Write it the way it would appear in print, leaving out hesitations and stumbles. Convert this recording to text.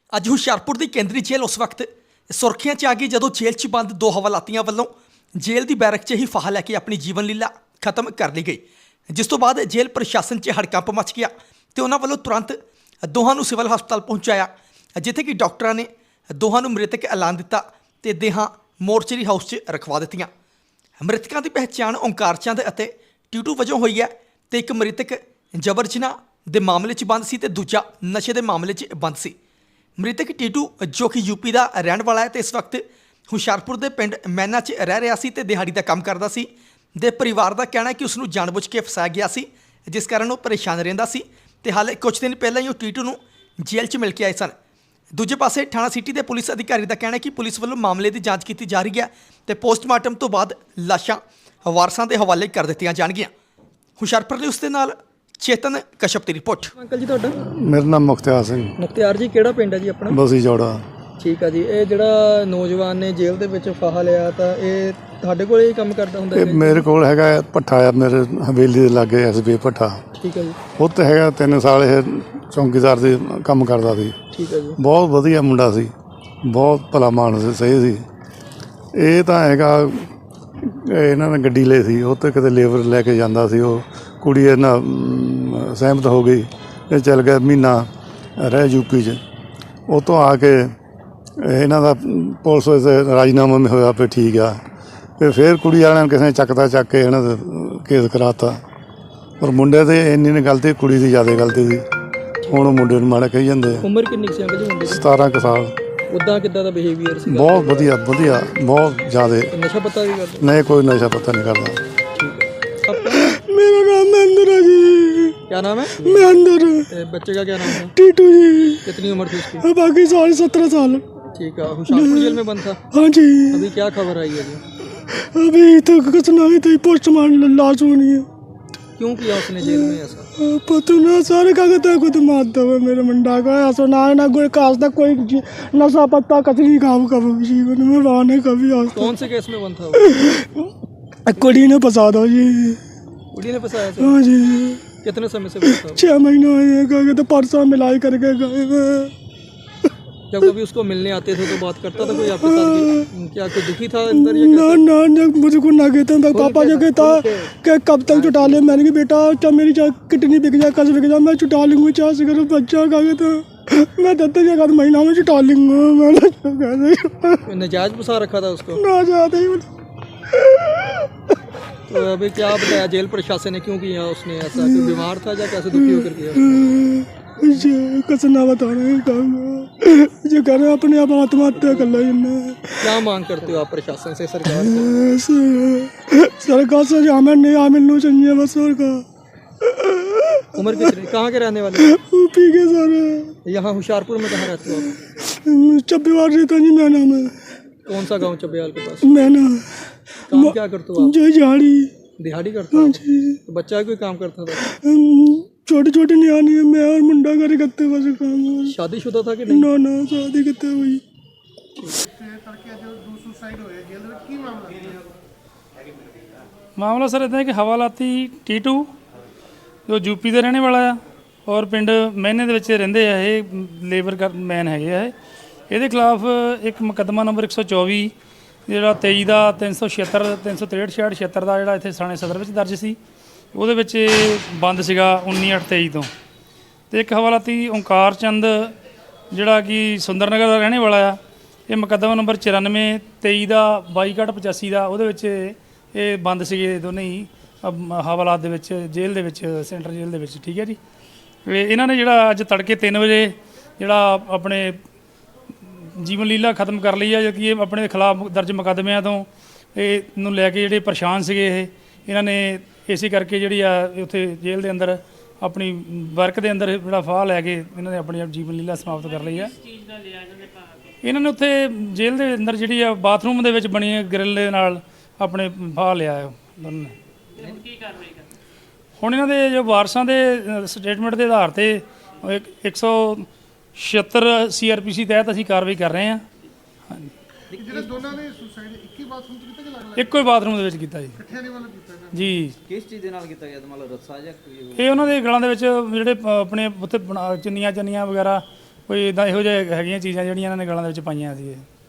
ਅੱਜ ਹੁਸ਼ਿਆਰਪੁਰ ਦੀ ਕੇਂਦਰੀ ਜੇਲ੍ਹ ਉਸ ਵਕਤ ਸੁਰਖੀਆਂ 'ਚ ਆ ਗਈ ਜਦੋਂ ਜੇਲ੍ਹ 'ਚ ਬੰਦ ਦੋ ਹਵਾਲਾਤੀਆਂ ਵੱਲੋਂ ਜੇਲ੍ਹ ਦੀ ਬੈਰਕ 'ਚ ਹੀ ਫਾਹਾ ਲੈ ਕੇ ਆਪਣੀ ਜੀਵਨ ਲੀਲਾ ਖਤਮ ਕਰ ਲਈ ਗਈ, ਜਿਸ ਤੋਂ ਬਾਅਦ ਜੇਲ੍ਹ ਪ੍ਰਸ਼ਾਸਨ 'ਚ ਹੜਕੰਪ ਮਚ ਗਿਆ ਤੇ ਉਹਨਾਂ ਵੱਲੋਂ ਤੁਰੰਤ ਦੋਹਾਂ ਨੂੰ ਸਿਵਲ ਹਸਪਤਾਲ ਪਹੁੰਚਾਇਆ, ਜਿੱਥੇ ਕਿ ਡਾਕਟਰਾਂ ਨੇ ਦੋਹਾਂ ਨੂੰ ਮ੍ਰਿਤਕ ਐਲਾਨ ਦਿੱਤਾ ਤੇ ਦੇਹਾਂ ਮੋਰਚਰੀ ਹਾਊਸ 'ਚ ਰਖਵਾ ਦਿੱਤੀਆਂ। ਮ੍ਰਿਤਕਾਂ ਦੀ ਪਹਿਚਾਣ ਓਂਕਾਰ ਚੰਦ ਅਤੇ ਟੀਟੂ ਵਜੋਂ ਹੋਈ ਹੈ ਤੇ ਇੱਕ ਮ੍ਰਿਤਕ ਜਬਰ ਜਨਾਹ ਦੇ ਮਾਮਲੇ 'ਚ ਬੰਦ ਸੀ ਤੇ ਦੂਜਾ ਨਸ਼ੇ ਦੇ ਮਾਮਲੇ 'ਚ ਬੰਦ ਸੀ। ਮ੍ਰਿਤਕ ਟੀਟੂ ਜੋ ਕਿ ਯੂਪੀ ਦਾ ਰਹਿਣ ਵਾਲਾ ਹੈ ਤੇ ਇਸ ਵਕਤ ਹੁਸ਼ਿਆਰਪੁਰ ਦੇ ਪਿੰਡ ਮੈਨਾ 'ਚ ਰਹਿ ਰਿਹਾ ਸੀ ਤੇ ਦਿਹਾੜੀ ਦਾ ਕੰਮ ਕਰਦਾ ਸੀ। ਦੇ ਪਰਿਵਾਰ ਦਾ ਕਹਿਣਾ ਹੈ ਕਿ ਉਸ ਨੂੰ ਜਾਣਬੁੱਝ ਕੇ ਫਸਾਇਆ ਗਿਆ ਸੀ, ਜਿਸ ਕਾਰਨ ਉਹ ਪਰੇਸ਼ਾਨ ਰਹਿੰਦਾ ਸੀ ਤੇ ਹਾਲੇ ਕੁਝ ਦਿਨ ਪਹਿਲਾਂ ਹੀ ਉਹ ਟੀਟੂ ਨੂੰ ਜੇਲ੍ਹ 'ਚ ਮਿਲ ਕੇ ਆਏ ਸਨ। ਦੂਜੇ ਪਾਸੇ ਥਾਣਾ ਸਿਟੀ ਦੇ ਪੁਲਿਸ ਅਧਿਕਾਰੀ ਦਾ ਕਹਿਣਾ ਹੈ ਕਿ ਪੁਲਿਸ ਵੱਲੋਂ ਮਾਮਲੇ ਦੀ ਜਾਂਚ ਕੀਤੀ ਜਾ ਰਹੀ ਹੈ ਤੇ ਪੋਸਟਮਾਰਟਮ ਤੋਂ ਬਾਅਦ ਲਾਸ਼ਾਂ ਵਾਰਸਾਂ ਦੇ ਹਵਾਲੇ ਕਰ ਦਿੱਤੀਆਂ ਜਾਣਗੀਆਂ। ਹੁਸ਼ਿਆਰਪੁਰ ਨੇ ਉਸ ਦੇ ਨਾਲ ਚੇਤਨ ਕਸ਼ਪ ਦੀ ਰਿਪੋਰਟ। ਅੰਕਲ ਜੀ ਤੁਹਾਡਾ? ਮੇਰਾ ਨਾਮ ਮੁਖਤਿਆਰ ਸਿੰਘ। ਮੁਖਤਿਆਰ ਜੀ, ਕਿਹੜਾ ਪਿੰਡ ਹੈ ਜੀ ਆਪਣਾ? ਬਸੀ ਜੋੜਾ। ਠੀਕ ਆ ਜੀ। ਇਹ ਜਿਹੜਾ ਨੌਜਵਾਨ ਨੇ ਜੇਲ੍ਹ ਦੇ ਵਿੱਚ ਫਾਹਾ ਲਿਆ ਤਾਂ ਇਹ ਤੁਹਾਡੇ ਕੋਲ ਹੀ ਕੰਮ ਕਰਦਾ ਹੁੰਦਾ ਇਹ ਹੈ? ਮੇਰੇ ਕੋਲ ਹੈਗਾ ਭੱਠਾ ਆ, ਮੇਰੇ ਹਵੇਲੀ ਦੇ ਲਾਗੇ ਐਸਬੀ ਭੱਠਾ। ਠੀਕ ਹੈ ਜੀ। ਉੱਥੇ ਹੈਗਾ 3 ਸਾਲ ਇਹ ਚੌਂਕੀਦਾਰ ਦੇ ਕੰਮ ਕਰਦਾ ਸੀ। ਠੀਕ ਹੈ ਜੀ। ਬਹੁਤ ਵਧੀਆ ਮੁੰਡਾ ਸੀ, ਬਹੁਤ ਭਲਾ ਮਾਨਸ ਸੀ, ਸਹੀ ਸੀ। ਇਹ ਤਾਂ ਹੈਗਾ ਇਹਨਾਂ ਨੇ ਗੱਡੀ ਲਈ ਸੀ, ਉੱਥੇ ਕਿਤੇ ਲੇਬਰ ਲੈ ਕੇ ਜਾਂਦਾ ਸੀ। ਉਹ ਕੁੜੀ ਇਹਨਾਂ ਸਹਿਮਤ ਹੋ ਗਈ, ਇਹ ਚੱਲ ਗਿਆ ਮਹੀਨਾ ਰਹਿ ਯੂਪੀ 'ਚ। ਉਹ ਤੋਂ ਆ ਕੇ ਇਹਨਾਂ ਦਾ ਪੁਲਿਸ ਵਿੱਚ ਰਾਜੀਨਾਮਾ ਵੀ ਹੋਇਆ, ਫਿਰ ਠੀਕ ਆ। ਫਿਰ ਕੁੜੀ ਵਾਲਿਆਂ ਨੇ ਕਿਸੇ ਨੇ ਚੱਕ ਕੇ ਇਹਨਾਂ ਦਾ ਕੇਸ ਕਰਾਤਾ। ਪਰ ਮੁੰਡੇ ਤੇ ਇੰਨੀ ਨਹੀਂ ਗਲਤੀ, ਕੁੜੀ ਦੀ ਜ਼ਿਆਦਾ ਗਲਤੀ ਸੀ। ਹੁਣ ਉਹ ਮੁੰਡੇ ਨੂੰ ਮਾੜਾ ਕਹੀ ਜਾਂਦੇ ਆ। ਉਮਰ ਕਿੰਨੀ ਸੀ ਅੰਕਲ ਜੀ ਮੁੰਡੇ ਦੀ? 17 ਕੁ ਸਾਲ। ਉੱਦਾਂ ਕਿੱਦਾਂ ਦਾ ਬਿਹੇਵੀਅਰ ਸੀ? ਬਹੁਤ ਵਧੀਆ, ਬਹੁਤ ਜ਼ਿਆਦਾ। ਨਸ਼ਾ ਪੱਤਾ ਵੀ ਕਰਦਾ? ਨਹੀਂ, ਕੋਈ ਨਸ਼ਾ ਪੱਤਾ ਨਹੀਂ ਕਰਦਾ। ठीक है। मेरा नाम महेंद्र है जी। क्या नाम है? महेंद्र। बच्चे का क्या नाम है? टीटू जी। कितनी उम्र थी उसकी? बाकी साढ़े 17 साल। ठीक है। हुशियारपुर जेल में बंद था? हाँ जी। अभी क्या खबर आई है जी? अभी तो कुछ नहीं थी, पोस्टमार्टम लाश होनी है। क्यों किया उसने जेल में ऐसा? पता ना सारे कागज खुद मारता हुआ मेरे मुंडा का ऐसा ना कोई खास तक कोई नशा पत्ता कतली काम कभी जीवन में रहा कभी। कौन से केस में बंद था वो? कुड़ी ने फंसा दो जी। कुड़ी ने फंसाया था? हाँ जी। कितने समय से बंद था? 6 महीने हुए, तो परसों मिलाई करके गए। जब कभी उसको मिलने आते थे तो बात करता था कोई आपके साथ कि क्या कोई दुखी था अंदर या कैसे? ना मुझे को ना कहता मैं पापा जो कहता कि कब तक छुटा ले। मैंने कहा बेटा क्या मेरी किडनी बिक जाए, कस बिक जाए, मैं छुटा लूँगा। 4 से करो बच्चा का कहता मैं 10 महीना में छुटा लूँगा। मैंने नजायज फंसा रखा था उसको? ना जाते ही। तो अभी क्या बताया जेल प्रशासन ने, क्यों किया उसने ऐसा? कोई बीमार था या कैसे दुखी होकर किया? कुछ ना बता रहे जो कर रहे अपने आप आत्महत्या कर ली। क्या मांग करते हो आप प्रशासन से, सरकार से? हमें नहीं मिलना चाहिए बस। सरकार। उम्र कितनी? कहाँ के रहने वाले? यूपी के सारे। यहाँ हुशियारपुर में कहाँ रहते हो आप? चब्बीवार रहता जी मैना में। कौन सा गांव चब्बेवाल के पास? मैना। काम क्या करते हो आप? जो झाड़ी। दिहाड़ी करते हो? तो बच्चा कोई काम करता था? छोटे छोटे नियानी है, मैं और मुंडा करे करते बस काम। शादीशुदा था कि नहीं? ना शादी करते हुई। ਮਾਮਲਾ ਸਰ ਇੱਦਾਂ ਹੈ ਕਿ ਹਵਾਲਾਤੀ ਟੀਟੂ ਜੋ ਯੂਪੀ ਦੇ ਰਹਿਣੇ ਵਾਲਾ ਆ ਔਰ ਪਿੰਡ ਮਹਿਨੇ ਦੇ ਵਿੱਚ ਰਹਿੰਦੇ ਆ। ਇਹ ਲੇਬਰ ਮੈਨ ਹੈਗੇ ਆ। ਇਹਦੇ ਖਿਲਾਫ ਇੱਕ ਮੁਕੱਦਮਾ ਨੰਬਰ 124 ਜਿਹੜਾ 23 ਦਾ 376 363 66 ਦਾ ਜਿਹੜਾ ਇੱਥੇ ਥਾਣੇ ਸਦਰ ਵਿੱਚ ਦਰਜ ਸੀ, ਉਹਦੇ ਵਿੱਚ ਬੰਦ ਸੀਗਾ 19/8/23 ਤੋਂ। ਅਤੇ ਇੱਕ ਹਵਾਲਾਤੀ ਓਂਕਾਰ ਚੰਦ ਜਿਹੜਾ ਕਿ ਸੁੰਦਰ ਨਗਰ ਦਾ ਰਹਿਣੇ ਵਾਲਾ ਆ। ਇਹ ਮੁਕੱਦਮਾ ਨੰਬਰ 94 23 ਦਾ 22/85 ਦਾ, ਉਹਦੇ ਵਿੱਚ ਇਹ ਬੰਦ ਸੀਗੇ ਦੋਨੇ ਹੀ ਹਵਾਲਾਤ ਦੇ ਵਿੱਚ, ਜੇਲ੍ਹ ਦੇ ਵਿੱਚ, ਸੈਂਟਰ ਜੇਲ੍ਹ ਦੇ ਵਿੱਚ। ਠੀਕ ਹੈ ਜੀ। ਇਹਨਾਂ ਨੇ ਜਿਹੜਾ ਅੱਜ ਤੜਕੇ 3 ਵਜੇ ਜਿਹੜਾ ਆਪਣੇ ਜੀਵਨ ਲੀਲਾ ਖਤਮ ਕਰ ਲਈ ਆ, ਕਿ ਇਹ ਆਪਣੇ ਖਿਲਾਫ ਦਰਜ ਮੁਕੱਦਮਿਆਂ ਤੋਂ ਇਹ ਨੂੰ ਲੈ ਕੇ ਜਿਹੜੇ ਪਰੇਸ਼ਾਨ ਸੀਗੇ ਇਹਨਾਂ ਨੇ ਇਸੇ ਕਰਕੇ ਜਿਹੜੀ ਆ ਉੱਥੇ ਜੇਲ੍ਹ ਦੇ ਅੰਦਰ ਆਪਣੀ ਵਰਕ ਦੇ ਅੰਦਰ ਜਿਹੜਾ ਫਾਹ ਲੈ ਕੇ ਇਹਨਾਂ ਨੇ ਆਪਣੀ ਜੀਵਨ ਲੀਲਾ ਸਮਾਪਤ ਕਰ ਲਈ ਆ। ਇਹਨਾਂ ਨੇ ਉੱਥੇ ਜੇਲ੍ਹ ਦੇ ਅੰਦਰ ਜਿਹੜੀ ਆ ਬਾਥਰੂਮ ਦੇ ਵਿੱਚ ਬਣੀ ਗ੍ਰਿਲ ਦੇ ਨਾਲ ਆਪਣੇ ਫਾਹ ਲਿਆ ਦੋਨਾਂ ਨੇ। ਹੁਣ ਇਹਨਾਂ ਦੇ ਜੋ ਵਾਰਸਾਂ ਦੇ ਸਟੇਟਮੈਂਟ ਦੇ ਆਧਾਰ ਤੇ 176 CRPC ਤਹਿਤ ਅਸੀਂ ਕਾਰਵਾਈ ਕਰ ਰਹੇ ਹਾਂ। ਹਾਂਜੀ। ਜਿਹੜੇ ਦੋਨਾਂ ਨੇ ਸੁਸਾਈਡ ਇੱਕ ਹੀ ਬਾਥਰੂਮ ਚ ਕੀਤਾ ਕਿ ਅਲੱਗ-ਅਲੱਗ? ਇੱਕੋ ਹੀ ਬਾਥਰੂਮ ਦੇ ਵਿੱਚ ਕੀਤਾ ਜੀ। ਇਕੱਠਿਆਂ ਦੇ ਵੱਲੋਂ ਕੀਤਾ ਨਾ ਜੀ। ਕਿਸ ਚੀਜ਼ ਦੇ ਨਾਲ ਕੀਤਾ ਗਿਆ? ਮਤਲਬ ਰੱਸਾ ਜਾਂ ਇਹ ਉਹਨਾਂ ਦੇ ਗਲਾਂ ਦੇ ਵਿੱਚ ਜਿਹੜੇ ਆਪਣੇ ਉੱਥੇ ਚੁੰਨੀਆਂ ਵਗੈਰਾ ਕੋਈ ਇਦਾਂ ਇਹੋ ਜਿਹੇ ਹੈਗੀਆਂ ਚੀਜ਼ਾਂ ਜਿਹੜੀਆਂ ਇਹਨਾਂ ਨੇ ਗਲਾਂ ਦੇ ਵਿੱਚ ਪਾਈਆਂ ਸੀ ਇਹ